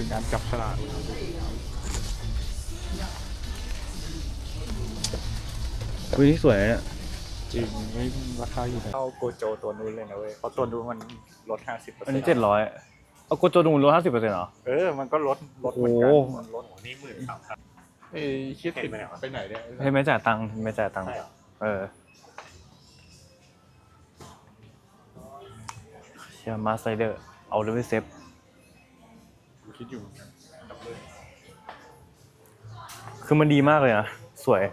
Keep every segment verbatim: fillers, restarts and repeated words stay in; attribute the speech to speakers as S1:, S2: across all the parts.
S1: การจับฉลาก
S2: วินี่สวยเนี่ย
S1: จริงไม่ราคาอยู่เท่าโกโจตัวนู้นเลยนะเว้ยเพราะตัวนู้นมันลดห้าสิบเปอร์เซ็นต์
S2: อันนี้เจ็ดร้อยเอาโกโจดูลดห้าสิบเปอร์เซ็นต์เหรอ
S1: เออมันก็ลดลดเหมือนกันมันลด
S3: นี่หมื่นสามพัน
S1: เอ้ยคิดติดไปไหนเนี่ย
S2: ให้ไม่จ่ายตังค์ไม่จ่ายตังค์เออเชียร์มาสไซเดอร์เอาเลยเซฟ
S1: คิดอยู่
S2: คือมันดีมากเลยนะสวย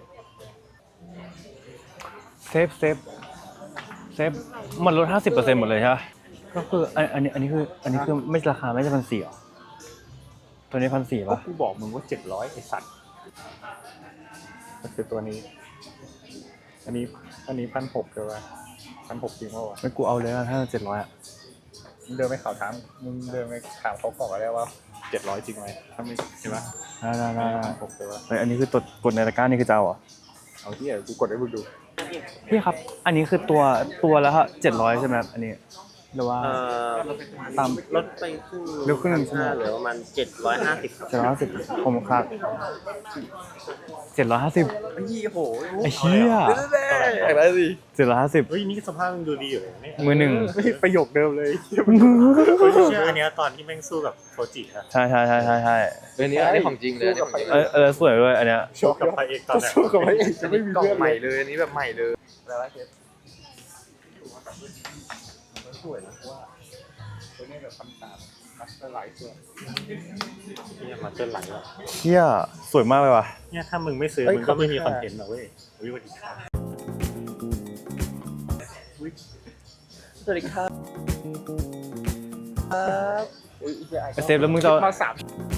S2: เซฟเซฟเซฟมันลด ห้าสิบเปอร์เซ็นต์ หมดเลยใช่ไหมก็คืออันนี้อันนี้คืออันนี้คือไม่ราคาไม่ใช่พันสี่หรอตัวนี้พันสี่ป่ะ
S1: กูบอกมึงว่าเจ็ดร้อยไอ้สัตว์ก็คือตัวนี้อันนี้อันนี้พันหกใช่ป่ะพันหกจริงป่ะวะ
S2: ไม่กูเอาเลยถ้าเจ็ดร้อยอ่ะ
S1: มึงเดินไปข่าวถามมึงเดินไปถามเขาก่อนก็ได้ว่าเจ็ดร้อยจริงไหมถ้าไม่ใช่ป่ะ
S2: ได้ได้ได้
S1: หกใช่ป่ะ
S2: เฮ้ยอันนี้คือตัวกดในตะกร้านี่คือเจ้าเหรอ
S1: เอาที่ไหนกูกดให้มึงดู
S2: พี่ครับอันนี้คือตัวตัวแล้วครับเจ็ดร้อยใช่ไหมครับอันนี้หรือว่าตาม
S3: ลดไปครึ่ง
S2: เร็วขึ้นหนึ่งชั่วโมง
S3: เหลือประมาณเจ็ดร้อยห้าสิบ
S2: เจ็ดร้อยห้าสิบผมครับเจ็ดร้อยห้าสิบ
S3: ไอ้ยี่โห
S2: ไอ้เหี้ย
S3: อะไรสิ
S2: เจ็ดร้อยห้าสิบ
S3: เฮ้ยนี่สภาพมึงดูดีอยู่เลย
S2: มือหนึ่ง
S1: ประโยคเดิมเลย
S3: เชื่ออันนี้ตอนที่แม่งสู้กับโทจิอะ
S2: ใช่ใช่ใช่ใช่ใช่
S4: อันนี้อันนี้ของจริงเลย
S2: เออเออสวยด้วยอันเนี้ย
S3: โชว์กับพระเอกตอนไหน
S1: โชว์กับพระเอกจะไม่มี
S4: กล่อง
S1: เรื่อง
S4: ใหม่เลยอันนี้แบบใหม่เลย
S1: แล้วเชฟสวยนะว่าตัวนี้แบบคำสาบมัสเตอร์ไลท์ตัว
S3: นี่มาเจอหลังแล้ว
S2: เหี้ยสวยมากเลยว่ะ
S3: เนี่ยถ้ามึงไม่ซื้อมึงก็ไม่มีคอนเทนต์หรอกเว้ยวิวัฒนา
S4: สวัสดีครับ
S2: เซฟแล้วมึงจะ
S1: มาสาม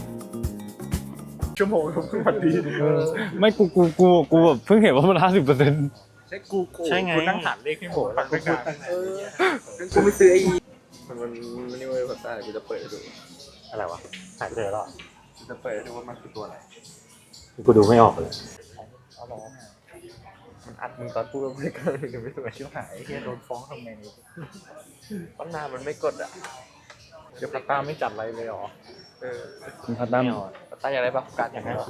S1: ชั่วโมงทุกวันดี
S2: ไม่กูกูกูกูแบบเพิ่งเห็นว่ามันห้าสิบเปอร์เซ็นต์
S1: ใช่กูกู
S3: ใช่ไง
S1: กูนั่งหาเลขให้หมดตั้งแต่
S4: เออกูไม่ซื้อไอ้มันมันมันนี่เว้ยภาษากูจะเปิดให้ดู
S3: อะไรวะหาเจอแล้ว
S4: กูจะเปิดให้ดูว่ามันคือตัวอะไร
S3: กูดูไม่ออกเลย
S1: เอาหรอ
S4: มันอัดมึงตอนพูดแล้วไม่กล้าเลยไม่รู้
S1: ชิวหายเฮียโดนฟ้องทำไงนี่
S4: ตั้งนานมันไม่กดอ่ะ
S1: เดี๋ยวพัตตาไม่จัดอะไรเลยหรอ
S4: เออ
S2: คุณพัตตั้ม
S4: พัตตาอยากได้ปะการอยากได้ปะ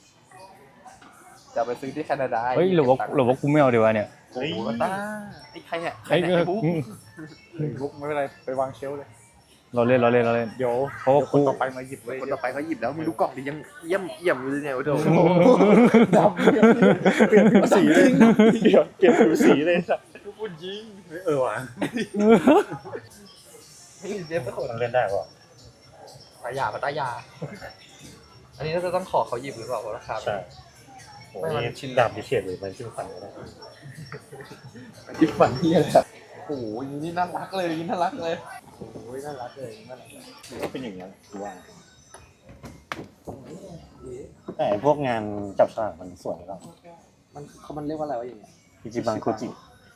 S4: จะไปซื้อที่แคนาดา
S2: เฮ้ยหรือว่าหรือว่ากูไม่เอาดีวะเนี่ย
S4: โอ้โหพัตตาไอ้ใครเนี่ยใคร
S2: เนี่ย
S4: ไอ้บุ๊ก
S1: บุ๊กไม่เป็นไรไปวางเชลเลย
S2: เราเล่นเราเล่นเราเล่น
S1: เดี๋ยวเพราะว่าคนต่อไปมาหยิบเลย
S4: คนต่อไปเขาหยิบแล้วมึงดูกล่องดิยังเยี่ยมเยี่ยมเลยเนี่ยโอ้โห
S1: ดำเปลี่ยนผิวสีเลยเปลี่ยนเปลี่ยนผิวสีเลยสัตว์พูดยิง
S3: เออว่ะ
S4: เฮ้ยเดฟก็
S3: เล่นได้ป่ะ
S4: ปายาปตายาอันนี้เราจะต้องขอเขาหยิบหรือเปล่าราคา
S3: ใช่โอ้ยชิ้นดำพิเศษเลยมันชิ้นฝันก็ได้
S4: ชิ้นฝันที่อะไรโอ้โหนี่น่ารักเลยนี่น่ารักเลย
S1: โอ้ยน่ารักเลยน่ารักก็เป็นอย่างนี้คือว่า
S3: แต่พวกงานจับฉลากมันสวยแล้ว
S4: มันเขามันเรียกว่าอะไรวะอย่างเงี้ย
S3: อิจิบังโคจิ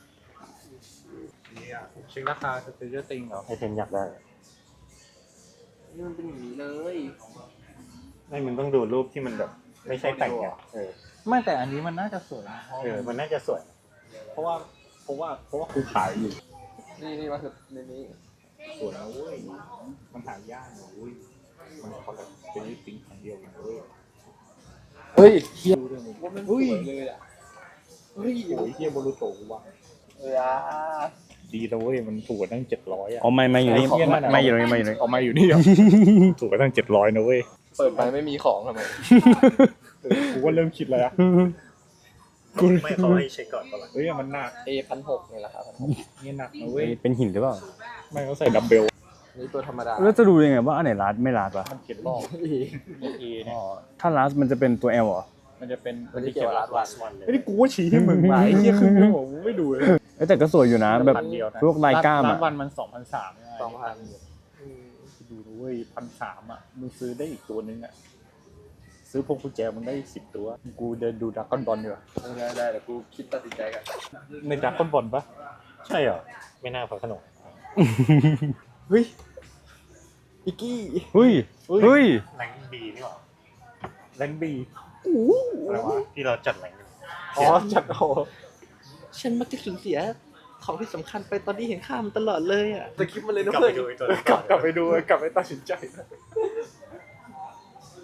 S1: นี่อ่ะชิงราคาสเตเจอร์ติงเหรอ
S3: ให้เทนอยากได้
S4: นี่มันเป็นอย่างนี้เลย
S3: ไม่มึงต้องดูรูปที่มันแบบไม่ใช่แต่งอ่ะเออ
S1: ไม่แต่อันนี้มันน่าจะสวย
S3: เออมันน่าจะสวย
S1: เพราะว่าเพราะว่าเพราะว่ากูขายอยู่
S4: นี่นี่มาคือในนี้
S1: สวยนะเว้ยมันหายากนะเว้ยมันคนละเป็นลิปปิ้งคนเดียวกันเว้ย
S4: เฮ้ยเฮียว่ามันสวยเลยอ่ะ
S1: เฮ้ยโอ้ยเฮียโบรูโตะว่ะ
S4: เออ
S1: ดีนะเว้ยมันถูกกว่าตั้งเจ็ดร้อยอ่ะ
S2: อ๋อไม่ไม่อยู่นี่ไม่อยู่นี่ไม่อยู่นี่
S1: อ๋อไม่อยู่นี่ถูกกว่าตั้งเจ็ดร้อยนะเว้ย
S4: เปิดไปไม่มีของทำไม
S1: กูก็เริ่มคิดแล้ว
S3: กูไม่เขาให้เช็คก่อนก่อน
S1: เฮ้ยมันหนัก
S4: เอพันหกนี่แหละครับ
S1: นี่หนักนะเว้ย
S2: เป็นหินหรือเปล่า
S1: ไม่เขาใส่ดัมเบล
S4: นี่ตัวธรรมดา
S2: แล้วจะดูยังไงว่าอันไหนรัดไม่รัดวะ
S1: มันเขียนรอบเอเอเนี่ย
S2: ถ้ารัดมันจะเป็นตัว L เหรอ
S1: มันจะเป็น
S4: มันจะเขียนรัดวัน
S1: เลยไม่ได้กูว่าชี้ให้มึงมาไอ้เหี้ยคือมึงไม่ดูเลย
S2: แต่ก็สวยอยู่นะแบบพวกลายก้าม
S1: อ่ะวันมันสองพันสาม
S4: สองพัน
S1: ดูด้วยพันสามอ่ะมึงซื้อได้อีกตัวนึงอ่ะซื้อพวงกุญแจมันได้สิบตัวกูเดินดูดราก้อนบอลอยู่
S4: ได้ได้แต่กูคิดตัดสินใจกัน
S1: ในดราก้อนบอลปะ
S3: ใช่เหรอไม่น่าพอขนม
S4: เฮ้ยอิกกี้
S2: เฮ้ยเฮ้ย
S3: แรงบีนี่หว่า
S1: แรงบี
S3: อะไรวะที่เราจัดแรง
S1: อ๋อจัดโอ้
S4: ฉันมักจะสูญเสียของที่สำคัญไปตอนนี้เห็นค่ามันตลอดเลยอ่ะแต่คลิปมันเลยนะ
S3: เพื่อน
S4: กลับไป
S3: ดูตัว
S1: กลับกลับไปดูกลับไปตัดสินใจ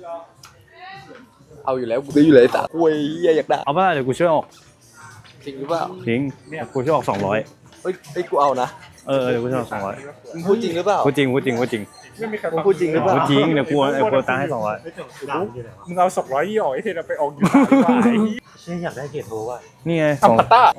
S4: เอาอยู่แล้วกูซื้ออยู่เลยแต่คุยเหี้ยอยากได้
S2: เอาป่ะเดี๋ยวกูช่วยออก
S4: จริงหรือเปล่า
S2: ทิ้งกูช่วยออกสองร้อย
S4: เฮ้ยเฮ้ยกูเอานะ
S2: เออเดี๋ยวกูช่วยออกสองร้อย
S4: มึงพูดจริงหรือเปล่า
S2: พูดจริงพูดจริงพูดจริง
S1: ไม่มีใคร
S4: มึงพูดจริงหรือเปล่า
S2: พูดจริงเดี๋ยวกูเดี๋ยวกูตังค์ให้สองร้อย
S1: มึงเอาสองร้อยยี่ออกไอ้เทนไปออกอยู่ดีกว่าไอ้เหี้ย
S3: เชื่ออยากได้เกียรติโทว่ะ
S2: นี่ไงสอง
S4: พัตต้า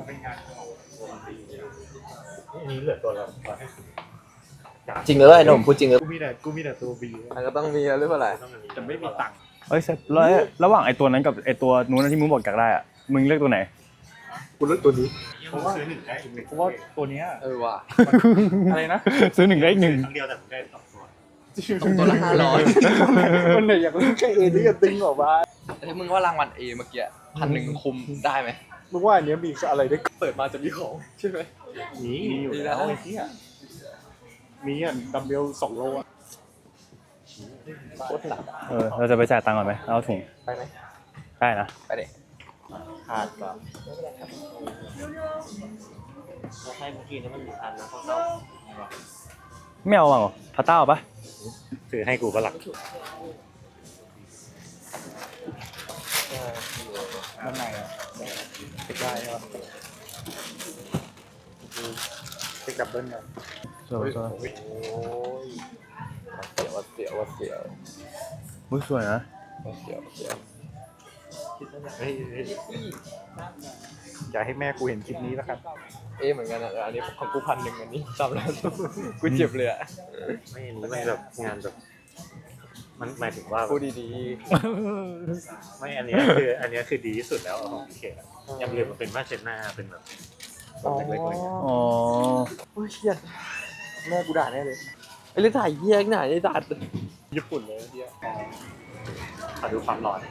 S3: อันนี้เหลือตัวละร้อยห้าสิบ
S4: จริงหรือเปล่าไอ้หนุ่มพูดจริงหรือ
S3: กูมีแต่กูมีแต่ตัวบี
S4: มันก็ต้องมีหรือเปล่าอะไร
S3: แต่ไม่มีตังค์
S2: เอ้ยเสร็จแล้วระหว่างไอ้ตัวนั้นกับไอ้ตัวนู้นที่มึงบอกอยากได้อะมึงเลือกตัวไหน
S3: กูเลือกตัวนี้เพราะว่าซื้อหนึ่งได้อีกหนึ่ง
S1: เพราะว่าตัวเนี้ย
S4: เออว่ะ
S1: อะไรนะ
S2: ซื้อหนึ่งได้อีกหนึ่ง
S3: ครั้งเดียวแต่ผมได้สองตัว
S4: ตัวละห้าร้อย
S1: มันเลยอยากเล่นแค่เอที่จะตึงออกมา
S4: ถ้ามึงว่ารางวัลเอเมื่อกี้พันหนึ่งคุมได้ไหม
S1: มึงว่าอันเนี้ยมีอะไรได้
S4: เปิดมาจะมีของใช่ไหม
S3: มีมีอยู่
S4: มี
S3: แล้ว
S4: แล้ว
S1: ไอ้เหี้ยมีอ่ะดัมเบลสองโลอ่ะ
S4: โคตรหนัก
S2: เออเราจะไปจ่ายตังค์ก่อนไหมเอาถุง
S4: ไปไหม
S2: ได้นะ
S4: ไปเด็ก
S1: ขาดป่ะ
S3: เราให้เมื่อกี้นั้นมันมีอันนะเขาเศร้า
S2: ไม่เอาเหรอพาต้าเอาปะ
S3: ซื้อให้กูก็หลัก
S1: ด้านในอ่ะเช็คได้ครับเช็คดับเบิ้ลกัน
S2: สวยสวย
S4: โอ้ยวัดเสียววัดเสียว
S2: อุ๊ยสวยนะ
S4: วัดเสียววัดเสียว
S3: เฮ้ยเฮ้ย
S1: อย่าให้แม่กูเห็นคลิปนี้แล้วครับ
S4: เอ๊ะเหมือนกันอ่ะอันนี้ของกูพันหนึ่งอันนี้จำแล้วกูเจ็บเลยอ่ะ
S3: ไม่อันนี้มันแบบงานแบบมันหมายถึงว่า
S4: พูดดี
S3: ไม่อันเนี้ยคืออันเนี้ยคือดีที่สุดแล้วของพีเคอะอย่างอื่นมันเป็นผ้าเช็ดหน้าเป็นแบบ
S4: ๆ
S3: แบบเล็กๆอะไรเงี้ย
S2: อ๋อ
S4: โอ้ยเชี่ยแม่กูด่าแน่เลยไอ้เรื่องถ่ายเยี่ยงหน่าไอ้ด่า
S1: ญี่ปุ่นเลยเหี้ย
S3: ขอดูความร้อน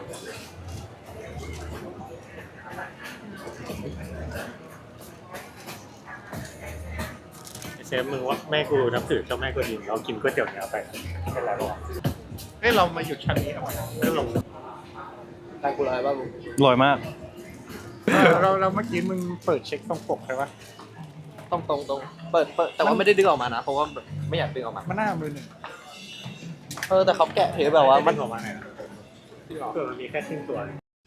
S3: เชฟมึงว่าแม่กูนับถือเจ้าแม่กูดินเรากินก๋วยเตี๋ยวเนื้อไปเป็นไรหรอ
S1: เฮ้ยเรามาหยุดชั้นนี้ทำไม
S3: ก็ลง
S4: ตายกูลายบ้าบุ
S2: อร่อยมาก
S1: เราเราเมื่อกี้มึงเปิดเช็คตรงปกใช่ปะ
S4: ตรงตรงตรงเปิดเปิดแต่ว่าไม่ได้ดึงออกมานะเพราะว่าแบบไม่อยากดึงออกมา
S1: มันหน้ามือหนึ่ง
S4: เออแต่เขาแกะเทปแบบว่า
S3: มั
S4: มัน น
S3: ออกมาไงตัวมันมีแค่ครึ่งตัว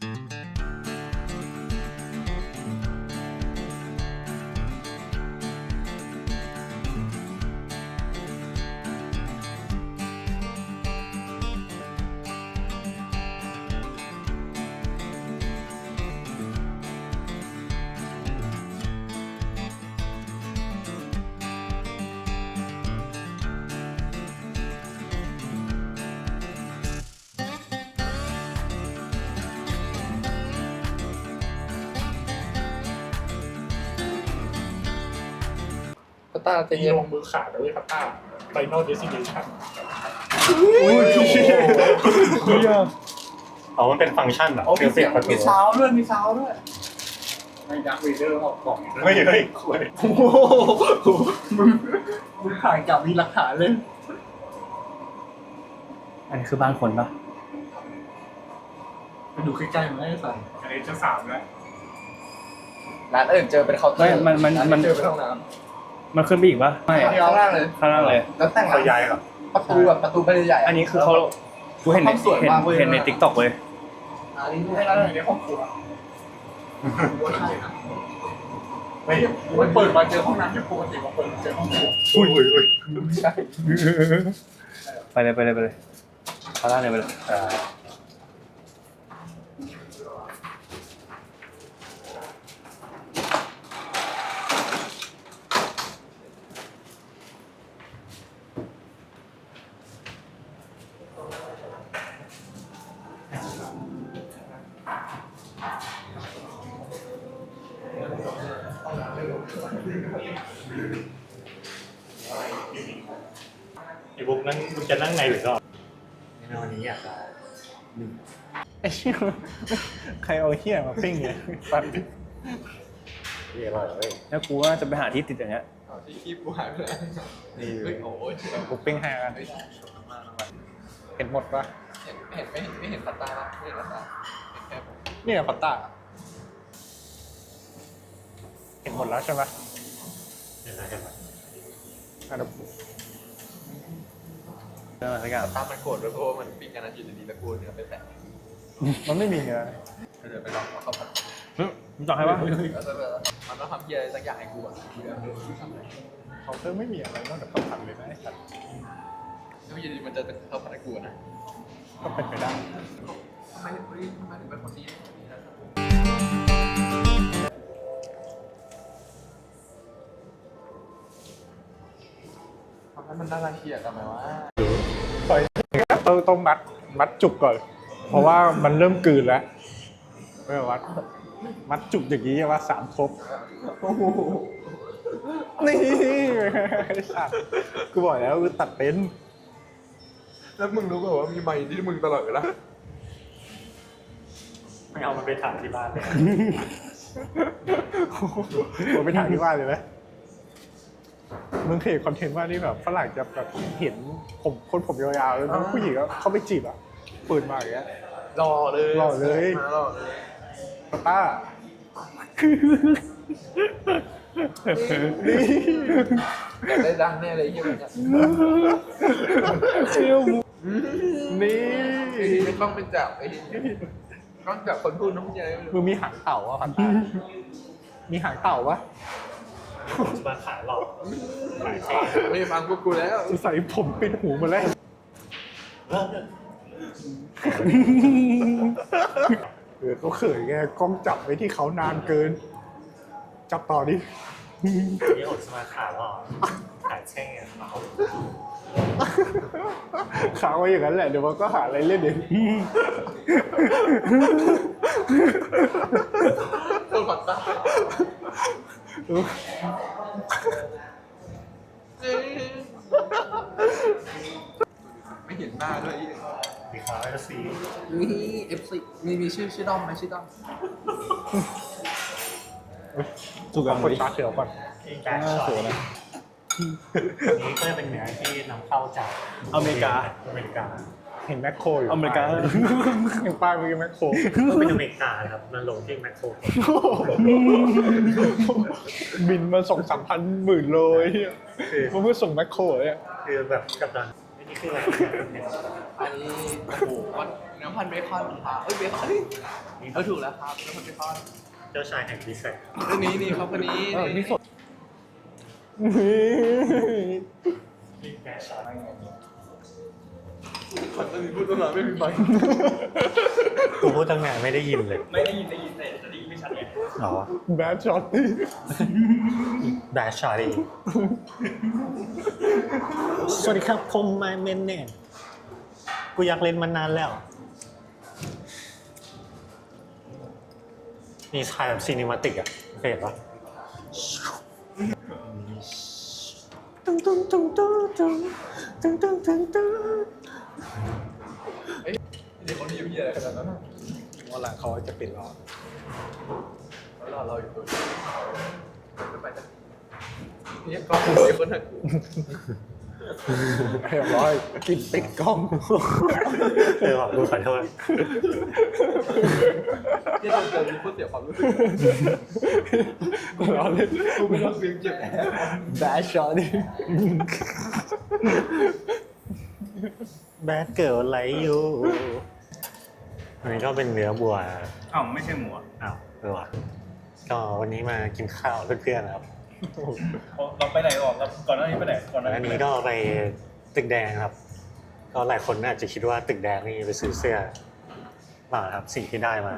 S4: ก็ตาเต็
S1: ตี
S4: ม
S1: ลงมือขาดเลยครับต้าไฟนอลเดสิเนชั่น
S3: อ๋อมันเป็นฟังก์ชันเหรอเสียบเสียบประตู
S1: มีซาวด้วยมีซาวด้วยไม่ดักวีเดอร์ออกกล่อง
S3: เฮ้ยเฮ้ยคุย
S1: โอ้โหมึงมึงถ่ายกับมีหลักฐานเลย
S2: อันนี้คือบ้านคนปะ
S1: ไปดูใกล้ๆมันได้สั่นอันนี้จะสามแล้ว
S4: ร้านอื่นเจอเป็นเคาน์เตอ
S2: ไม่
S4: ร์
S2: มันมันมัน
S4: เจอเป็นห้องน้
S2: มันขึ้นไปอีกปะไม่
S4: ำข้างล่างเลย
S2: ข้างล่างเลย
S4: แล้วแต่ง
S3: เขาย้ายเหรอ
S4: ประตูแบบประตูไม่ได้ใหญ่
S2: อันนี้คือเขากูเห็นใน
S4: ห้องสวย
S2: เห็น
S4: มากเว้ย
S2: เห็นในติ๊กต็อกเลย
S4: อันนี้ให้
S1: ให้
S4: ร้า
S1: เรา
S4: น
S1: อยู่ในห้องครัว
S3: เฮ้ย
S1: มันเปิดมาเจอห้องน้ำที่ปกติมาเปิดมาเจอห้องครัว
S3: อุ้ยอุ้ยอุ้ย
S4: ใช่
S2: ไปเลยไปเลยไปเลยข้างล่างเลยไปเลยอ่า
S3: ไอ้บุ๊กนั่งมึงจะนั่งในหรือนอกในวันนี้อยากได้
S1: ไอ้เหี้ยใครเอาเหี้ยมาปิ้งเนี่ยฟัน
S3: เรียกว่าเฮ้ย
S2: แล้วกูว่าจะไปหาที่ติดอย่างเงี้ย
S4: ที่คีบกูหายไปแล้ว
S3: นี่
S4: เฮ้ยโอ้ย
S1: กูปิ้งให้กันเห็นหมดปะ
S4: เห็นเห็นไม่เห็นไม่เห็นปัตตาปะไม่เห็นปัตตาเห็นแค่ผม
S1: นี่ไงปัตตาเห็นหมดแล้วใช่ไหม
S3: เห็นไหมเห็นไหม
S1: อันนั้น
S2: อะไรสักอย่าง
S4: ตามมันโกรธด้วยเพราะว่ามันปิ้งกันนะอยู่ดีๆแล้วกูเนื้อไปแตะ
S1: มันไม่มีเนื้อ
S4: เดี๋ยวไปลองเอาเข้าผัด
S2: มึงต่อให้ปะ
S4: แล้วก็มันต้องทำเพี้ยอะไรสักอย่างให้กูอ่ะกูจะเอาทำอะไร
S1: เขาเพิ่มไม่มีอะไรนอกจากข้าวผัดเลยนะไอ้สัตว์
S4: แล้วอยู่ดีๆมันจะเข้าผัดให้กูนะ
S1: ก็เป็นไปได้
S4: ทำไมถึงทำไมถึงเป็นคนดีทำให้มันน่ารังเกียจกันไหมวะ
S1: ต้องต้องมัดมัดจุกก่อน เพราะว่ามันเริ่มกลืนแล้วไม่วัดมัดจุกอย่างนี้ว่าสามครบนี่ไอ้สัตว์กูบอกแล้วกูตัดเป็น
S4: แล้วมึงรู้ป่าวว่ามีไมค์ที่มึงตลอดเวลา
S3: ไม่เอามันไปถามที่บ้านเลย
S1: ผมไปถ่ายที่บ้านเลยไหมมึงเคยเห็นคอนเทนต์ว่านี่แบบฝรั่งจะแบบเห็นผมคนผมยาวๆแล้วผู้หญิงก็เข้าไปจีบอ่ะเปิดมาอย่างเงี้ย
S4: รอเลย
S1: รอเลย
S4: มารอเลย
S1: ปาต้านี่
S4: อยากได้ดังแน่เลยที่มันเนี่ย
S1: เชี่ยวนี่
S4: ไอ้ที่ไม่ต้องไปจับไอ้ที่ต้องจับคนพูดน้องยัย
S1: มึงมีหางเต่าอ่ะพันต้ามีหางเต่าปะ
S3: จะมาขายหลอกขายแช่
S4: ไม่ฟังพวกกูแล้ว
S1: ใส่ผมปิดหูมาแล้วเออเขาเขินไงกล้องจับไว้ที่เขานานเกิน จับต่อดิ
S3: นี่อดจะมาขายหลอกขายแช่เขา
S1: ค้างไว้อย่างนั้นแหละเดี๋ยวมันก็หาอะไรเล่นเอง
S4: คนผัดตาไม่เห็นหน้าด้วย
S3: มีขายแล้วสิ
S4: นี่เอฟซีมีมีชื่อชื่อด้อมไหมชื่อด้อม
S1: ถูกกับคนตาเขียวก่อน
S3: แบ็คช็อตนี้ก็จะเป็นเนื้อที่นำเข้าจาก
S2: อเมริกา
S3: อเมริกา
S1: เห็นแมคโครอยู่
S2: อเมริกา
S1: เห็นป้ายเมื่อกี้แมคโคร
S3: ก็เป็นอเมริกานะครับมันลงที่แมคโคร
S1: บินมาสองสามพันหมื่นโลไอ้เหี้ยมันเพื่อส่งแมคโครเนี่ย
S3: คือแบบกับดันนี่คืออะไร
S4: อันนี้โอ้โหเนื้อพันเบคอนค่ะเอ้ยเบคอนเออถูกแล้วครับเนื้อพันเบคอน
S3: เจ้าชายแห่งดีไซน์
S4: เรื่องนี้นี่ครับคนนี้
S1: เออนี่สด
S3: นี่แบ็คช็อต
S4: คนจะมีพูดตลอดไม่มีไมค์
S3: กูพูดตั้งนานไม่ได้ยินเลย
S2: ไม่ได้ยินได้ยินแต่จะได้ยินไม่ชัดไง
S3: อ๋อ
S1: แบดช็อตตี้
S3: แบ็คช็อตเองสวัสดีครับผมมาเมนเนี่ยกูอยากเล่นมานานแล้วนี่ถ่ายแบบซีนิมาติกอะเคยเห็นปะตึ้งตึ้งตึ้งตึ้งตึ้งตึ้งตึ้งตึ้งตึ้ง
S4: เด็กคนนี้อยู่ที่อะไรขนาดนั้น
S1: วันหลังเขาจะปิดล้อ
S4: รอเราอยู่ตัวไม่ไปจ้ะนี่กล้องไอ้คนหักกู
S1: เรียบร้อยกินติดกล้อง
S3: เออกูขอโทษ
S4: ที่เราเจอมีพูดเสียความรู้สึก
S1: ล้อเล่น
S4: กูไม่ต้องเสียงเจ็บแอบ
S1: แบดช็อตตี้
S3: แบดเกิร์ลไลท์ยูอันนี้ก็เป็นเนื้อบัว
S2: อ้าวไม่ใช่หมูอ่ะ
S3: อ้าวเออว่ะก็วันนี้มากินข้าวเพื่อนๆนะครับ
S2: เราไปไหนออกเราก่อนหน้านี้ไปไหนก่อนหน้า
S3: อัน
S2: นี้
S3: นี้ก็ไปตึกแดงครับ ก็หลายคนอาจจะคิดว่าตึกแดงนี่ไปซื้อเสื้อเปล่าครับสิ่งที่ได้มา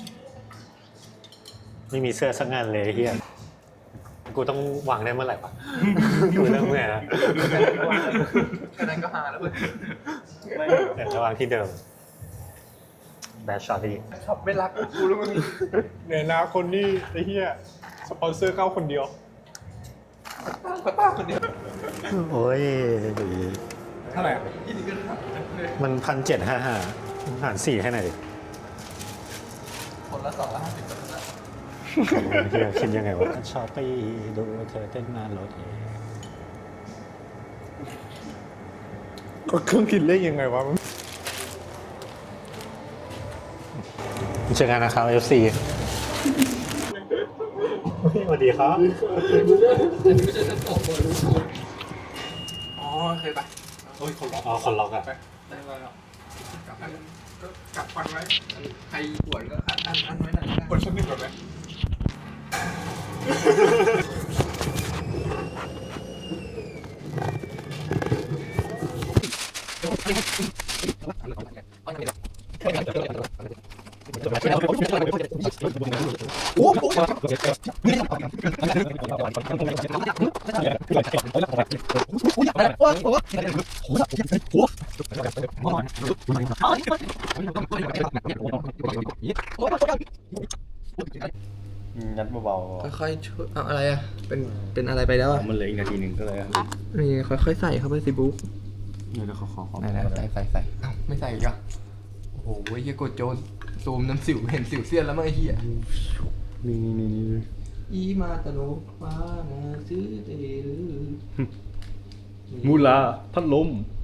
S3: ไม่มีเสื้อสักงานเลยเฮียกูต้องวางได้เมื่อไหร่ปะ กูเริ่มเมื่อยแล้ว
S4: แค่นั้นก็หาแล้วเว้ย
S3: แต่จะวางที่เดิมแบชช็อตที่
S4: ขับไม่รักกูแล้วมึง
S1: เนี่ยนะคนนี้ไอ้เหี้ยสปอนเซอร์เข้าคนเดียว
S4: ป้าป้าคนเดียว
S3: โอ้ย
S1: เท่าไหร่
S4: ยี่นี่ก็ถามเลย
S3: มันพันเจ็ดห้าห้าหารสี่ให้หน่อยดิ
S4: คนละสองละห้าสิบคนละ
S3: เฮียคิดยังไงวะชอบไปดูเธอเต้นหน้ารถ
S1: ก็เครื่องคิดเลขยังไงวะ
S3: เจอกันนะครับ เอฟ ซี สวัสดีครับ
S4: อันนี้ไม่ใช่ชั้นสองบนอ๋อเคยปะ
S3: โอ้ยคนล็อกอ๋อคนล็อกอ่ะ
S4: ไปได้มาแล้วกลับแล้วก็กลับฟันไว้ใครปวดก็อันอันอันไว้หน่อยปวดชั้นหนึ่งก่อนไหม
S2: ยัดเบา
S4: ค่อยๆช่วยเอาอะไรอ่ะเป็นเป็นอะไรไปแล้วอ่ะ
S2: ๆมันเหลืออีกนาทีหนึ่งก็เลย
S4: นี่ค่อยๆใส่เข้าไปสิบุ๊ก
S2: เดี๋ยวขอขอขอ
S4: ไหนๆใส่ใส่ใส่เอ้าไม่ใส่อีกอ่ะโอ้โหเฮียกดโจนซูมน้ำสิวเห็นสิวเสี้ยนแล้วมั้งไอ้เฮีย
S2: นี่นี่นี่นี่
S4: อีมาตะโลมานาซื้อเตลือ
S2: มูลาพัดลม
S4: เ